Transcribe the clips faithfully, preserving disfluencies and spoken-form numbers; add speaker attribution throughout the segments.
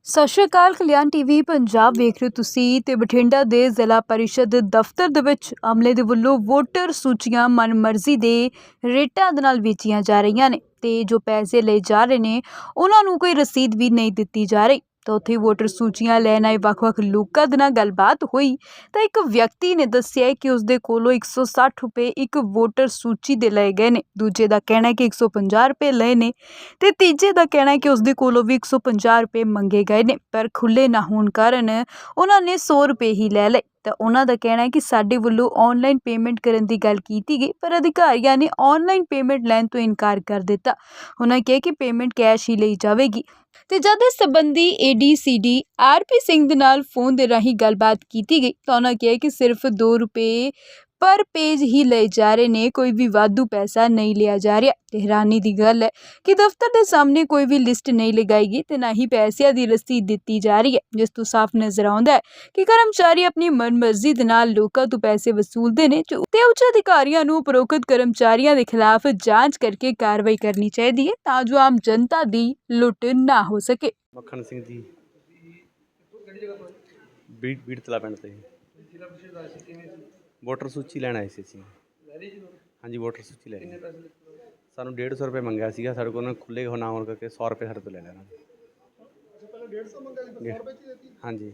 Speaker 1: ਸਤਿ ਸ਼੍ਰੀ ਅਕਾਲ। ਕਲਿਆਣ ਟੀਵੀ ਪੰਜਾਬ ਵੇਖ ਰਹੇ ਹੋ ਤੁਸੀਂ ਤੇ ਬਠਿੰਡਾ ਦੇ ਜ਼ਿਲ੍ਹਾ ਪਰਿਸ਼ਦ ਦਫ਼ਤਰ ਦੇ ਵਿੱਚ ਅਮਲੇ ਦੇ ਵੱਲੋਂ ਵੋਟਰ ਸੂਚੀਆਂ ਮਨਮਰਜ਼ੀ ਦੇ ਰੇਟਾਂ ਦੇ ਨਾਲ ਵੇਚੀਆਂ ਜਾ ਰਹੀਆਂ ਨੇ ਤੇ ਜੋ ਪੈਸੇ ਲਏ ਜਾ ਰਹੇ ਨੇ ਉਹਨਾਂ ਨੂੰ ਕੋਈ ਰਸੀਦ ਵੀ ਨਹੀਂ ਦਿੱਤੀ ਜਾ ਰਹੀ। ਤਾਂ ਉੱਥੇ ਵੋਟਰ ਸੂਚੀਆਂ ਲੈਣ ਆਏ ਵੱਖ-ਵੱਖ ਲੋਕਾਂ ਦੇ ਨਾਲ ਗੱਲਬਾਤ ਹੋਈ ਤਾਂ ਇੱਕ ਵਿਅਕਤੀ ਨੇ ਦੱਸਿਆ ਕਿ ਉਸਦੇ ਕੋਲੋਂ ਇੱਕ ਸੌ ਸੱਠ ਰੁਪਏ ਇੱਕ ਵੋਟਰ ਸੂਚੀ ਦੇ ਲਏ ਗਏ ਨੇ। ਦੂਜੇ ਦਾ ਕਹਿਣਾ ਹੈ ਕਿ ਇੱਕ ਸੌ ਪੰਜਾਹ ਰੁਪਏ ਲਏ ਨੇ ਤੇ ਤੀਜੇ ਦਾ ਕਹਿਣਾ ਹੈ ਕਿ ਉਸਦੇ ਕੋਲੋਂ ਵੀ ਇੱਕ ਸੌ ਪੰਜਾਹ ਰੁਪਏ ਮੰਗੇ ਗਏ ਨੇ, ਪਰ ਖੁੱਲ੍ਹੇ ਨਾ ਹੋਣ ਕਾਰਨ ਉਹਨਾਂ ਨੇ ਸੌ ਰੁਪਏ ਹੀ ਲੈ ਲਏ। ਤਾਂ ਉਹਨਾਂ ਦਾ ਕਹਿਣਾ ਹੈ ਕਿ ਸਾਡੇ ਵੱਲੋਂ ਆਨਲਾਈਨ ਪੇਮੈਂਟ ਕਰਨ ਦੀ ਗੱਲ ਕੀਤੀ ਗਈ ਪਰ ਅਧਿਕਾਰੀਆਂ ਨੇ ਆਨਲਾਈਨ ਪੇਮੈਂਟ ਲੈਣ ਤੋਂ ਇਨਕਾਰ ਕਰ ਦਿੱਤਾ। ਉਹਨਾਂ ਕਿਹਾ ਕਿ ਪੇਮੈਂਟ ਕੈਸ਼ ਹੀ ਲਈ ਜਾਵੇਗੀ। ਤੇ ਜਦ ਇਸ ਸੰਬੰਧੀ A D C D R P Singh ਦੇ ਨਾਲ ਫੋਨ ਦੇ ਰਾਹੀਂ ਗੱਲਬਾਤ ਕੀਤੀ ਗਈ ਤਾਂ ਉਹਨਾਂ ਕਿਹਾ ਕਿ ਸਿਰਫ ਦੋ ਰੁਪਏ ਪਰ ਪੇਜ ਹੀ ਲਏ ਜਾ ਰਹੇ ਨੇ, ਕੋਈ ਵੀ ਵਾਧੂ ਪੈਸਾ ਨਹੀਂ ਲਿਆ ਜਾ ਰਿਹਾ। ਤੇ ਹੈਰਾਨੀ ਦੀ ਗੱਲ ਹੈ ਕਿ ਦਫ਼ਤਰ ਦੇ ਸਾਹਮਣੇ ਕੋਈ ਵੀ ਲਿਸਟ ਨਹੀਂ ਲਗਾਈ ਗਈ ਤੇ ਨਾ ਹੀ ਪੈਸਿਆਂ ਦੀ ਰਸੀਦ ਦਿੱਤੀ ਜਾ ਰਹੀ ਹੈ, ਜਿਸ ਤੋਂ ਸਾਫ਼ ਨਜ਼ਰ ਆਉਂਦਾ ਹੈ ਕਿ ਕਰਮਚਾਰੀ ਆਪਣੀ ਮਨਮਰਜ਼ੀ ਦੇ ਨਾਲ ਲੋਕਾਂ ਤੋਂ ਪੈਸੇ ਵਸੂਲਦੇ ਨੇ ਤੇ ਉੱਚ ਅਧਿਕਾਰੀਆਂ ਨੂੰ ਉਪਰੋਕਤ ਕਰਮਚਾਰੀਆਂ ਦੇ ਖਿਲਾਫ ਜਾਂਚ ਕਰਕੇ ਕਾਰਵਾਈ ਕਰਨੀ ਚਾਹੀਦੀ ਹੈ ਤਾਂ ਜੋ ਆਮ ਜਨਤਾ ਦੀ ਲੁੱਟ ਨਾ ਹੋ ਸਕੇ।
Speaker 2: ਮੱਖਣ ਸਿੰਘ ਜੀ ਬੀੜ ਬੀੜ ਤਲਾ ਪਿੰਡ ਤੇ ਵੋਟਰ ਸੂਚੀ ਲੈਣ ਆਏ ਸੀ ਅਸੀਂ। ਹਾਂਜੀ ਵੋਟਰ ਸੂਚੀ ਲੈ ਲਈ। ਸਾਨੂੰ ਡੇਢ ਸੌ ਰੁਪਏ ਮੰਗਿਆ ਸੀਗਾ, ਸਾਡੇ ਕੋਲ ਖੁੱਲ੍ਹੇ ਹੋ ਨਾ ਹੋਣ ਕਰਕੇ ਸੌ ਰੁਪਏ ਸਾਡੇ ਤੋਂ ਲੈ ਲੈਣਾ। ਹਾਂਜੀ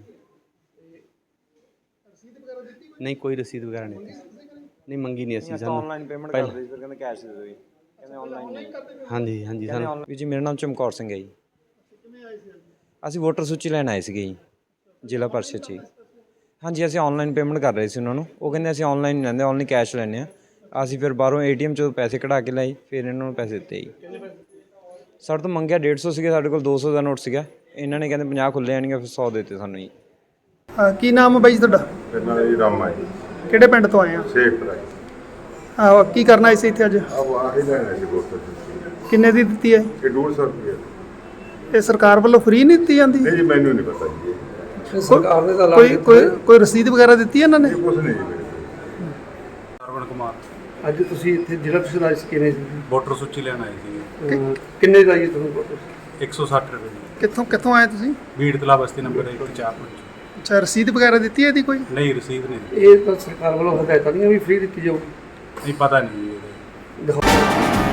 Speaker 2: ਨਹੀਂ ਕੋਈ ਰਸੀਦ ਵਗੈਰਾ ਨਹੀਂ ਨਹੀਂ ਮੰਗੀ ਨਹੀਂ ਅਸੀਂ। ਸਾਨੂੰ
Speaker 3: ਆਨਲਾਈਨ ਪੇਮੈਂਟ ਕਰਦੇ ਸੀ, ਫਿਰ ਕਹਿੰਦੇ ਕੈਸ਼ ਦੇ ਦਿਓ ਜੀ, ਕਹਿੰਦੇ ਆਨਲਾਈਨ ਨਹੀਂ।
Speaker 2: ਹਾਂਜੀ ਹਾਂਜੀ ਸਾਨੂੰ
Speaker 3: ਜੀ ਮੇਰਾ ਨਾਮ ਚਮਕੌਰ ਸਿੰਘ ਹੈ ਜੀ। ਅਸੀਂ ਵੋਟਰ ਸੂਚੀ ਲੈਣ ਆਏ ਸੀਗੇ ਜੀ ਜ਼ਿਲ੍ਹਾ ਪਰਿਸ਼ਦ 'ਚ ਜੀ। ਹਾਂਜੀ ਅਸੀਂ ਆਨਲਾਈਨ ਪੇਮੈਂਟ ਕਰ ਰਹੇ ਸੀ ਉਹਨਾਂ ਨੂੰ, ਉਹ ਕਹਿੰਦੇ ਅਸੀਂ ਆਨਲਾਈਨ ਨਹੀਂ ਲੈਂਦੇ, ਆਨਲਾਈਨ ਕੈਸ਼ ਲੈਂਦੇ ਹਾਂ। ਅਸੀਂ ਫਿਰ ਬਾਹਰੋਂ ਏ ਟੀ ਐਮ 'ਚੋਂ ਪੈਸੇ ਕਢਾ ਕੇ ਲਾਏ, ਫਿਰ ਇਹਨਾਂ ਨੂੰ ਪੈਸੇ ਦਿੱਤੇ ਜੀ। ਸਾਡੇ ਤੋਂ ਮੰਗਿਆ ਡੇਢ ਸੌ ਸੀਗੇ, ਸਾਡੇ ਕੋਲ ਦੋ ਸੌ ਦਾ ਨੋਟ ਸੀਗਾ। ਇਹਨਾਂ ਨੇ ਕਹਿੰਦੇ ਪੰਜਾਹ ਖੁੱਲ੍ਹੇ ਆਣਗੇ, ਫਿਰ ਸੌ ਦਿੱਤੇ ਸਾਨੂੰ ਜੀ।
Speaker 4: ਹਾਂ ਕੀ ਨਾਮ ਹੈ ਬਾਈ ਜੀ ਤੁਹਾਡਾ?
Speaker 5: ਮੇਰਾ ਨਾਮ ਜੀ ਰਾਮਾ ਜੀ।
Speaker 4: ਕਿਹੜੇ ਪਿੰਡ ਤੋਂ ਆਏ ਆ?
Speaker 5: ਸ਼ੇਖਪੁਰਾ ਜੀ।
Speaker 4: ਆਹ ਕੀ ਕਰਨਾ ਆਏ ਸੀ ਇੱਥੇ ਅੱਜ?
Speaker 5: ਆਹ ਆਹੀ ਲੈਣਾ ਸੀ ਵੋਟਰ ਸੂਚੀ।
Speaker 4: ਕਿੰਨੇ ਦੀ ਦਿੱਤੀ ਹੈ?
Speaker 5: ਇਹ ਡੇਢ ਸੌ ਰੁਪਏ।
Speaker 4: ਇਹ ਸਰਕਾਰ ਵੱਲੋਂ ਫ੍ਰੀ ਨਹੀਂ ਦਿੱਤੀ ਜਾਂਦੀ?
Speaker 5: ਨਹੀਂ ਜੀ ਮੈਨੂੰ ਨਹੀਂ ਪਤਾ ਜੀ।
Speaker 4: ਸਰਕਾਰ ਨੇ ਤਾਂ ਕੋਈ ਕੋਈ ਕੋਈ ਰਸੀਦ ਵਗੈਰਾ ਦਿੱਤੀ ਇਹਨਾਂ ਨੇ?
Speaker 5: ਇਹ ਕੁਛ ਨਹੀਂ ਜੀ ਮੇਰੇ ਕੋਲ।
Speaker 6: ਅਰਵਣ ਕੁਮਾਰ।
Speaker 7: ਅੱਜ ਤੁਸੀਂ ਇੱਥੇ ਜ਼ਿਲ੍ਹਾ ਪਰਿਸ਼ਦ ਆਏ ਸੀ, ਕਿਵੇਂ ਸੀ?
Speaker 6: ਵੋਟਰ ਸੂਚੀ ਲੈਣ ਆਏ ਸੀ।
Speaker 7: ਅਹ ਕਿੰਨੇ ਦਾ ਜੀ ਤੁਹਾਨੂੰ ਵੋਟਰ?
Speaker 6: ਇੱਕ ਸੌ ਸੱਠ ਰੁਪਏ ਦੀ।
Speaker 4: ਕਿੱਥੋਂ ਕਿੱਥੋਂ ਆਏ ਤੁਸੀਂ?
Speaker 6: ਬੀੜ ਤਲਾ ਬਸਤੀ ਨੰਬਰ ਇੱਕ ਚਾਰ ਪੰਜ।
Speaker 4: ਅੱਛਾ ਰਸੀਦ ਵਗੈਰਾ ਦਿੱਤੀ ਹੈ ਇਹਦੀ ਕੋਈ?
Speaker 6: ਨਹੀਂ ਰਸੀਦ ਨਹੀਂ।
Speaker 7: ਇਹ ਤਾਂ ਸਰਕਾਰ ਵੱਲੋਂ ਹਦਾਇਤਾਂ ਨਹੀਂ ਵੀ ਫ੍ਰੀ ਦਿੱਤੀ ਜਾਊਗੀ।
Speaker 6: ਨਹੀਂ ਪਤਾ ਨਹੀਂ ਜੀ ਇਹਦਾ।
Speaker 7: ਦਿਖਾਓ।